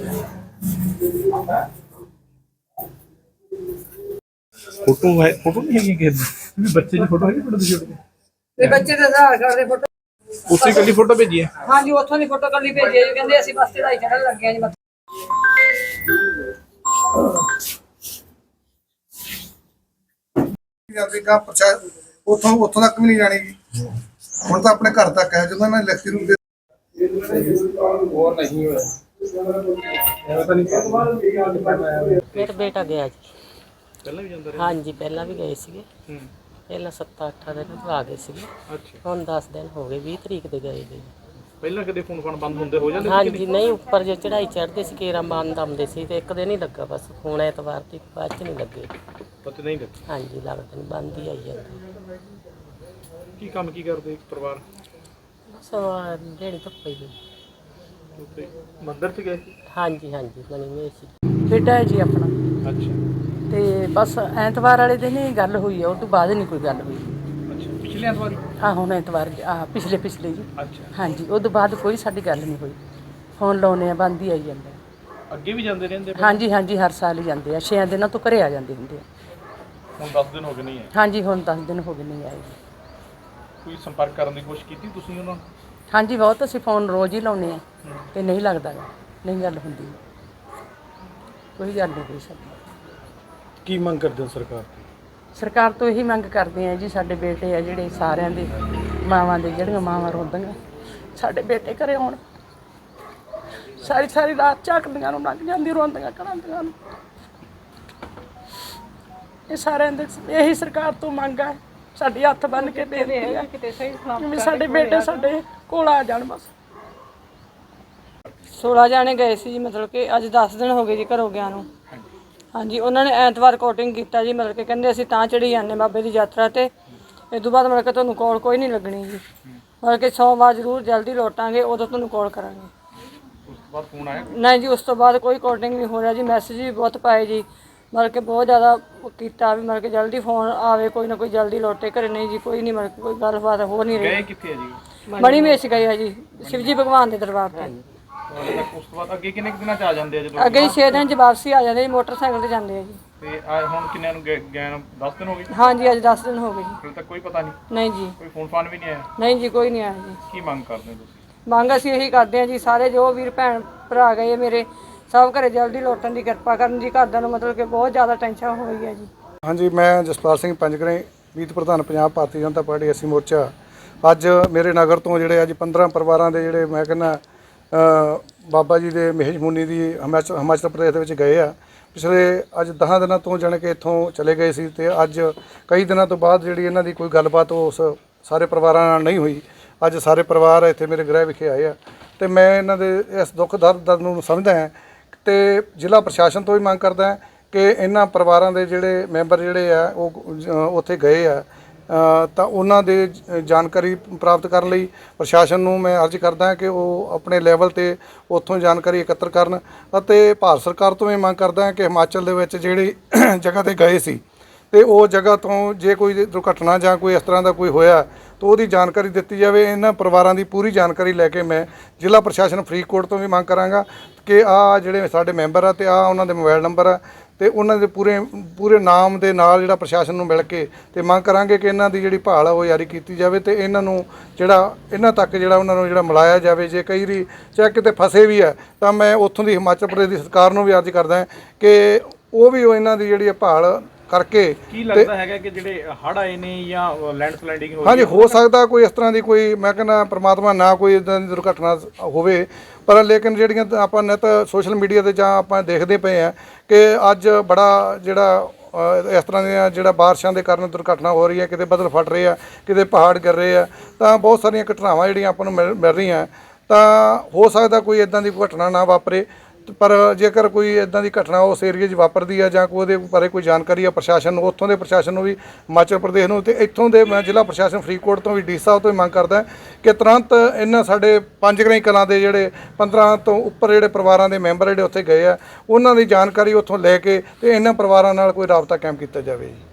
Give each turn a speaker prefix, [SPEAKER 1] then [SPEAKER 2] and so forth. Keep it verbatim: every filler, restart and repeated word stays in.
[SPEAKER 1] Photo है, photo नहीं है कि बच्चे की फोटो है फोटो
[SPEAKER 2] ਤੇ ਬੱਚੇ ਦੇ ਆਧਾਰ ਕਾਰਡ ਦੇ ਫੋਟੋ
[SPEAKER 1] उसी कली फोटो भेजी है।
[SPEAKER 2] हाँ जी ਉੱਥੋਂ ਦੀ ਫੋਟੋ ਕੱਲੀ ਭੇਜੀ ਹੈ ਜੀ ਕਹਿੰਦੇ ਅਸੀਂ ਬਸ ਚੜਾਈ ਚੜਨ ਲੱਗੇ ਆ ਜੀ ਮੱਥੇ
[SPEAKER 3] ਗਾ ਪ੍ਰਚਾਰ ਉੱਥੋਂ ਉੱਥੋਂ ਤੱਕ ਵੀ ਨਹੀਂ ਜਾਣੀ ਜੀ ਹੁਣ ਤਾਂ ਆਪਣੇ ਘਰ ਤੱਕ ਹੈ ਜਦੋਂ ਇਹਨਾਂ ਲਿਖਤੀ ਰੂਪ ਦੇ
[SPEAKER 1] और नहीं हुआ ऐसा नहीं
[SPEAKER 4] ਮੇਰਾ ਬੇਟਾ ਗਿਆ ਜੀ
[SPEAKER 1] पहले भी जांदा
[SPEAKER 4] हाँ जी पहला भी गए ਸੀਗੇ
[SPEAKER 1] हम्म
[SPEAKER 4] ਪਹਿਲਾਂ ਸੱਤ ਅੱਠ ਦਿਨ ਤੋਂ ਆ ਗਏ ਸੀਗੇ
[SPEAKER 1] अच्छा
[SPEAKER 4] ਹੁਣ ਦਸ ਦਿਨ ਹੋ ਗਏ ਵੀਹ ਤਰੀਕ ਦੇ ਗਏ ਜੀ
[SPEAKER 1] ਪਹਿਲਾਂ ਕਦੇ ਫੋਨ ਫਾਨ ਬੰਦ ਹੁੰਦੇ ਹੋ ਜਾਂਦੇ
[SPEAKER 4] हाँ जी नहीं ਉੱਪਰ ਜੇ ਚੜਾਈ ਚੜ੍ਹਦੇ ਸੀ ਕੇਰਾ ਬੰਦ ਆਉਂਦੇ ਸੀ ਤੇ ਇੱਕ ਦਿਨ ਹੀ ਲੱਗਾ ਬਸ ਹੁਣ ਐਤਵਾਰ ਦੀ ਬਾਅਦ ਚ ਨਹੀਂ ਲੱਗੇ
[SPEAKER 1] ਪਤਾ ਨਹੀਂ ਲੱਗਦਾ
[SPEAKER 4] हाँ जी ਲੱਗਦਾ ਨਹੀਂ ਬੰਦ ਹੀ ਆਈ ਜਾਂਦਾ
[SPEAKER 1] ਕੀ ਕੰਮ ਕੀ ਕਰਦੇ ਪਰਿਵਾਰ
[SPEAKER 4] ਬਸ ਜਿਹੜੀ ਧੁੱਪੇ ਜੀ
[SPEAKER 1] ਉੱਤੇ ਮੰਦਰ ਚ ਗਏ
[SPEAKER 4] हाँ जी हाँ जी ਬਣੀ ਹੋਈ ਸੀ
[SPEAKER 5] ਬੇਟਾ ਹੈ ਜੀ ਆਪਣਾ
[SPEAKER 1] ਅੱਛਾ
[SPEAKER 5] ਤੇ ਬਸ ਐਤਵਾਰ ਵਾਲੇ ਦਿਨ ਹੀ ਗੱਲ ਹੋਈ ਹੈ, ਉਹ ਤੋਂ ਬਾਅਦ ਨਹੀਂ ਕੋਈ ਗੱਲ ਹੋਈ।
[SPEAKER 1] ਅੱਛਾ ਪਿਛਲੇ ਐਤਵਾਰ
[SPEAKER 5] ਆ ਹੁਣ ਐਤਵਾਰ ਆ ਪਿਛਲੇ ਪਿਛਲੇ ਜੀ
[SPEAKER 1] ਅੱਛਾ
[SPEAKER 5] ਹਾਂਜੀ, ਉਹ ਤੋਂ ਬਾਅਦ ਕੋਈ ਸਾਡੀ ਗੱਲ ਨਹੀਂ ਹੋਈ। ਫੋਨ ਲਾਉਨੇ ਆ ਬੰਦ ਹੀ ਆਈ ਜਾਂਦਾ।
[SPEAKER 1] ਅੱਗੇ ਵੀ ਜਾਂਦੇ ਰਹਿੰਦੇ
[SPEAKER 5] ਹਾਂਜੀ ਹਾਂਜੀ ਹਰ ਸਾਲ ਹੀ ਜਾਂਦੇ ਆ, ਛੇ ਦਿਨਾਂ ਤੋਂ ਘਰੇ ਆ ਜਾਂਦੇ ਹੁੰਦੇ ਆ।
[SPEAKER 1] ਹੁਣ ਦਸ ਦਿਨ ਹੋ ਗਏ ਨਹੀਂ ਹੈ
[SPEAKER 5] ਹਾਂਜੀ ਹੁਣ ਦਸ ਦਿਨ ਹੋ ਗਏ ਨਹੀਂ ਆਏ ਜੀ।
[SPEAKER 1] ਕੋਈ ਸੰਪਰਕ ਕਰਨ ਦੀ ਕੋਸ਼ਿਸ਼ ਕੀਤੀ ਤੁਸੀਂ ਉਹਨਾਂ ਨਾਲ?
[SPEAKER 5] ਹਾਂਜੀ ਬਹੁਤ ਅਸੀਂ ਫੋਨ ਰੋਜ਼ ਹੀ ਲਾਉਨੇ ਆ ਤੇ ਨਹੀਂ ਲੱਗਦਾ ਗਾ, ਨਹੀਂ ਗੱਲ ਹੁੰਦੀ, ਕੋਈ ਗੱਲ ਨਹੀਂ ਹੋਈ ਸਾਡੀ।
[SPEAKER 1] ਕੀ ਮੰਗ ਕਰਦੇ ਹੋ ਸਰਕਾਰ ਤੋਂ?
[SPEAKER 5] ਸਰਕਾਰ ਤੋਂ ਇਹੀ ਮੰਗ ਕਰਦੇ ਆ ਜੀ, ਸਾਡੇ ਬੇਟੇ ਆ ਜਿਹੜੇ ਸਾਰਿਆਂ ਦੇ ਮਾਵਾਂ ਦੇ ਜਿਹੜੀਆਂ ਮਾਵਾਂ ਰੋਂਦੀਆਂ ਸਾਡੇ ਬੇਟੇ ਘਰੇ ਆਉਣ। ਸਾਰੀ ਸਾਰੀ ਰਾਤ ਝਾਕਦੀਆਂ ਨੂੰ ਲੰਘ ਜਾਂਦੀ ਰੋਂਦੀਆਂ ਕਰਾਂਦੀਆਂ ਨੂੰ। ਇਹ ਸਾਰਿਆਂ ਦੇ ਇਹੀ ਸਰਕਾਰ ਤੋਂ ਮੰਗ ਹੈ, ਸਾਡੀ ਹੱਥ ਬੰਨ ਕੇ ਬੇਨਤੀ ਹੈ ਵੀ ਸਾਡੇ ਬੇਟੇ ਸਾਡੇ ਕੋਲ ਆ ਜਾਣ ਬਸ।
[SPEAKER 2] सोलह जाने गए सी जी, मतलब कि अज दस दिन हो गए जी घरों गया नूं। हाँ जी उन्होंने ऐतवार कोटिंग किया जी, मतलब कि कहते असीं तां चढ़ी जाने बाबे की यात्रा ते इस तो बाद मतलब कि तुहानूं कॉल कोई नहीं लगनी जी, मतलब कि सोमवार जरूर जल्दी लौटांगे उदों तुहानूं कॉल करांगे।
[SPEAKER 1] ਉਸ ਤੋਂ ਬਾਅਦ ਫੋਨ ਆਇਆ?
[SPEAKER 2] नहीं जी उस तो बाद कोई कोटिंग नहीं हो रहा जी, मैसेज भी बहुत पाए जी, मतलब कि बहुत ज़्यादा किया भी, मतलब कि जल्दी फोन आवे कोई ना कोई जल्दी लौटे घरे, नहीं जी कोई नहीं, मतलब कि कोई गलबात हो नहीं
[SPEAKER 1] ਗਏ
[SPEAKER 2] रही।
[SPEAKER 1] ਕਿੱਥੇ ਹੈ ਜੀ?
[SPEAKER 2] बड़ी मेश गए है जी शिवजी भगवान के दरबार पर।
[SPEAKER 1] ਉਸ ਤੋਂ ਬਾਅਦ ਅੱਗੇ ਕਿੰਨੇ ਕੁ ਦਿਨਾਂ ਚ ਆ ਜਾਂਦੇ ਆ ਜਦੋਂ?
[SPEAKER 2] ਅੱਗੇ ਹੀ ਛੇ ਦਿਨ ਚ ਵਾਪਸੀ ਆ ਜਾਂਦੇ ਜੀ, ਮੋਟਰਸਾਈਕਲ ਤੇ ਜਾਂਦੇ ਆ ਜੀ।
[SPEAKER 1] ਤੇ ਆ ਹੁਣ ਕਿੰਨਿਆਂ ਨੂੰ ਗਏ ਗਏ ਨੂੰ ਦਸ ਦਿਨ ਹੋ ਗਏ?
[SPEAKER 2] ਹਾਂ ਜੀ ਅੱਜ ਦਸ ਦਿਨ ਹੋ ਗਏ ਜੀ।
[SPEAKER 1] ਫਿਰ ਤੱਕ ਕੋਈ ਪਤਾ ਨਹੀਂ?
[SPEAKER 2] ਨਹੀਂ ਜੀ
[SPEAKER 1] ਕੋਈ ਫੋਨ ਫਾਨ ਵੀ ਨਹੀਂ ਆਇਆ?
[SPEAKER 2] ਨਹੀਂ ਜੀ ਕੋਈ ਨਹੀਂ ਆਇਆ ਜੀ।
[SPEAKER 1] ਕੀ ਮੰਗ ਕਰਦੇ ਹੋ ਤੁਸੀਂ?
[SPEAKER 2] ਮੰਗ ਅਸੀਂ ਇਹੀ ਕਰਦੇ ਹਾਂ ਜੀ, ਸਾਰੇ ਜੋ ਵੀਰ ਭੈਣ ਭਰਾ ਗਏ ਮੇਰੇ ਸਭ ਘਰੇ ਜਲਦੀ ਲੌਟਣ ਦੀ ਕਿਰਪਾ ਕਰਨ ਜੀ। ਘਰਦਿਆਂ ਨੂੰ ਮਤਲਬ ਕਿ ਬਹੁਤ ਜ਼ਿਆਦਾ ਟੈਨਸ਼ਨ ਹੋ ਰਹੀ ਹੈ ਜੀ।
[SPEAKER 3] ਹਾਂਜੀ, ਮੈਂ ਜਸਪਾਲ ਸਿੰਘ ਪੰਜਗਰੇ, ਮੀਤ ਪ੍ਰਧਾਨ ਪੰਜਾਬ ਭਾਰਤੀ ਜਨਤਾ ਪਾਰਟੀ ਐਸੀ ਮੋਰਚਾ। ਅੱਜ ਮੇਰੇ ਨਗਰ ਤੋਂ ਜਿਹੜੇ ਅੱਜ ਪੰਦਰਾਂ ਪਰਿਵਾਰਾਂ ਦੇ ਜਿਹੜੇ ਮੈਂ ਕਹਿੰਦਾ ਬਾਬਾ ਜੀ ਦੇ ਮਹਿਜਮੂਨੀ ਦੀ ਹਿਮਾਚਲ ਹਿਮਾਚਲ ਪ੍ਰਦੇਸ਼ ਦੇ ਵਿੱਚ ਗਏ ਆ। ਪਿਛਲੇ ਅੱਜ ਦਸਾਂ ਦਿਨਾਂ ਤੋਂ ਜਾਣ ਕੇ ਇੱਥੋਂ ਚਲੇ ਗਏ ਸੀ ਤੇ ਅੱਜ ਕਈ ਦਿਨਾਂ ਤੋਂ ਬਾਅਦ ਜਿਹੜੀ ਇਹਨਾਂ ਦੀ ਕੋਈ ਗੱਲਬਾਤ ਉਸ ਸਾਰੇ ਪਰਿਵਾਰਾਂ ਨਾਲ ਨਹੀਂ ਹੋਈ। ਅੱਜ ਸਾਰੇ ਪਰਿਵਾਰ ਇੱਥੇ ਮੇਰੇ ਗ੍ਰਹਿ ਵਿਖੇ ਆਏ ਆ ਤੇ ਮੈਂ ਇਹਨਾਂ ਦੇ ਇਸ ਦੁੱਖ ਦਰਦ ਨੂੰ ਸਮਝਦਾ ਹਾਂ ਤੇ ਜ਼ਿਲ੍ਹਾ ਪ੍ਰਸ਼ਾਸਨ ਤੋਂ ਵੀ ਮੰਗ ਕਰਦਾ ਹਾਂ ਕਿ ਇਹਨਾਂ ਪਰਿਵਾਰਾਂ ਦੇ ਜਿਹੜੇ ਮੈਂਬਰ ਜਿਹੜੇ ਆ ਉਹ ਉੱਥੇ ਗਏ ਆ ਤਾਂ ਉਹਨਾਂ ਦੇ ਜਾਣਕਾਰੀ ਪ੍ਰਾਪਤ ਕਰਨ ਲਈ ਪ੍ਰਸ਼ਾਸਨ ਨੂੰ ਮੈਂ ਅਰਜ਼ ਕਰਦਾ ਕਿ ਉਹ ਆਪਣੇ ਲੈਵਲ 'ਤੇ ਉੱਥੋਂ ਜਾਣਕਾਰੀ ਇਕੱਤਰ ਕਰਨ ਅਤੇ ਭਾਰਤ ਸਰਕਾਰ ਤੋਂ ਵੀ ਮੰਗ ਕਰਦਾ ਕਿ ਹਿਮਾਚਲ ਦੇ ਵਿੱਚ ਜਿਹੜੀ ਜਗ੍ਹਾ 'ਤੇ ਗਏ ਸੀ ਤੇ ਉਹ ਜਗ੍ਹਾ ਤੋਂ ਜੇ ਕੋਈ ਦੁਰਘਟਨਾ ਜਾਂ ਕੋਈ ਇਸ ਤਰ੍ਹਾਂ ਦਾ ਕੋਈ ਹੋਇਆ ਤਾਂ ਉਹਦੀ ਜਾਣਕਾਰੀ ਦਿੱਤੀ ਜਾਵੇ। ਇਹਨਾਂ ਪਰਿਵਾਰਾਂ ਦੀ ਪੂਰੀ ਜਾਣਕਾਰੀ ਲੈ ਕੇ ਮੈਂ ਜ਼ਿਲ੍ਹਾ ਪ੍ਰਸ਼ਾਸਨ ਫਰੀਦਕੋਟ ਤੋਂ ਵੀ ਮੰਗ ਕਰਾਂਗਾ ਕਿ ਆਹ ਜਿਹੜੇ ਸਾਡੇ ਮੈਂਬਰ ਆ ਤੇ ਆਹ ਉਹਨਾਂ ਦੇ ਮੋਬਾਈਲ ਨੰਬਰ ਆ ਤੇ ਉਹਨਾਂ ਦੇ ਪੂਰੇ ਪੂਰੇ ਨਾਮ ਦੇ ਨਾਲ ਜਿਹੜਾ ਪ੍ਰਸ਼ਾਸਨ ਨੂੰ ਮਿਲ ਕੇ ਤੇ ਮੰਗ ਕਰਾਂਗੇ ਕਿ ਇਹਨਾਂ ਦੀ ਜਿਹੜੀ ਭਾਲ ਆ ਉਹ ਜਾਰੀ ਕੀਤੀ ਜਾਵੇ ਤੇ ਇਹਨਾਂ ਨੂੰ ਜਿਹੜਾ ਇਹਨਾਂ ਤੱਕ ਜਿਹੜਾ ਉਹਨਾਂ ਨੂੰ ਜਿਹੜਾ ਮਿਲਾਇਆ ਜਾਵੇ। ਜੇ ਕਈ ਵਾਰੀ ਚਾਹੇ ਕਿਤੇ ਫਸੇ ਵੀ ਆ ਤਾਂ ਮੈਂ ਉੱਥੋਂ ਦੀ ਹਿਮਾਚਲ ਪ੍ਰਦੇਸ਼ ਦੀ ਸਰਕਾਰ ਨੂੰ ਵੀ ਅਰਜ਼ ਕਰਦਾ ਕਿ ਉਹ ਵੀ ਇਹਨਾਂ ਦੀ ਜਿਹੜੀ ਭਾਲ ਕਰਕੇ।
[SPEAKER 1] ਕੀ ਲੱਗਦਾ ਹੈਗਾ ਕਿ ਜਿਹੜੇ ਹੜ੍ਹ ਆਏ ਨੇ ਜਾਂ ਲੈਂਡ ਸਲਾਈਡਿੰਗ ਹੋਈ?
[SPEAKER 3] ਹਾਂਜੀ ਹੋ ਸਕਦਾ ਕੋਈ ਇਸ ਤਰ੍ਹਾਂ ਦੀ ਕੋਈ ਮੈਂ ਕਹਿੰਦਾ ਪ੍ਰਮਾਤਮਾ ਨਾ ਕੋਈ ਇੱਦਾਂ ਦੀ ਦੁਰਘਟਨਾ ਹੋਵੇ, ਪਰ ਲੇਕਿਨ ਜਿਹੜੀਆਂ ਆਪਾਂ ਨਿੱਤ ਸੋਸ਼ਲ ਮੀਡੀਆ 'ਤੇ ਜਾਂ ਆਪਾਂ ਦੇਖਦੇ ਪਏ ਹਾਂ ਕਿ ਅੱਜ ਬੜਾ ਜਿਹੜਾ ਇਸ ਤਰ੍ਹਾਂ ਦੀਆਂ ਜਿਹੜਾ ਬਾਰਿਸ਼ਾਂ ਦੇ ਕਾਰਨ ਦੁਰਘਟਨਾ ਹੋ ਰਹੀ ਹੈ, ਕਿਤੇ ਬੱਦਲ ਫਟ ਰਹੇ ਆ, ਕਿਤੇ ਪਹਾੜ ਗਿਰ ਰਹੇ ਆ, ਤਾਂ ਬਹੁਤ ਸਾਰੀਆਂ ਘਟਨਾਵਾਂ ਜਿਹੜੀਆਂ ਆਪਾਂ ਨੂੰ ਮਿਲ ਮਿਲ ਰਹੀਆਂ। ਤਾਂ ਹੋ ਸਕਦਾ ਕੋਈ ਇੱਦਾਂ ਦੀ ਘਟਨਾ ਨਾ ਵਾਪਰੇ, ਪਰ ਜੇਕਰ ਕੋਈ ਇੱਦਾਂ ਦੀ ਘਟਨਾ ਉਸ ਏਰੀਏ 'ਚ ਵਾਪਰਦੀ ਆ ਜਾਂ ਕੋਈ ਉਹਦੇ ਬਾਰੇ ਕੋਈ ਜਾਣਕਾਰੀ ਆ ਪ੍ਰਸ਼ਾਸਨ ਨੂੰ, ਉੱਥੋਂ ਦੇ ਪ੍ਰਸ਼ਾਸਨ ਨੂੰ ਵੀ ਹਿਮਾਚਲ ਪ੍ਰਦੇਸ਼ ਨੂੰ ਤੇ ਇੱਥੋਂ ਦੇ ਮੈਂ ਜ਼ਿਲ੍ਹਾ ਪ੍ਰਸ਼ਾਸਨ ਫਰੀਦਕੋਟ ਤੋਂ ਵੀ ਡੀ ਸਾਹਿਬ ਤੋਂ ਵੀ ਮੰਗ ਕਰਦਾ ਕਿ ਤੁਰੰਤ ਇਹਨਾਂ ਸਾਡੇ ਪੰਜਗਰਾਈ ਕਲਾਂ ਦੇ ਜਿਹੜੇ ਪੰਦਰਾਂ ਤੋਂ ਉੱਪਰ ਜਿਹੜੇ ਪਰਿਵਾਰਾਂ ਦੇ ਮੈਂਬਰ ਜਿਹੜੇ ਉੱਥੇ ਗਏ ਆ ਉਹਨਾਂ ਦੀ ਜਾਣਕਾਰੀ ਉੱਥੋਂ ਲੈ ਕੇ ਤੇ ਇਹਨਾਂ ਪਰਿਵਾਰਾਂ ਨਾਲ ਕੋਈ ਰਾਬਤਾ ਕਾਇਮ ਕੀਤਾ ਜਾਵੇ ਜੀ।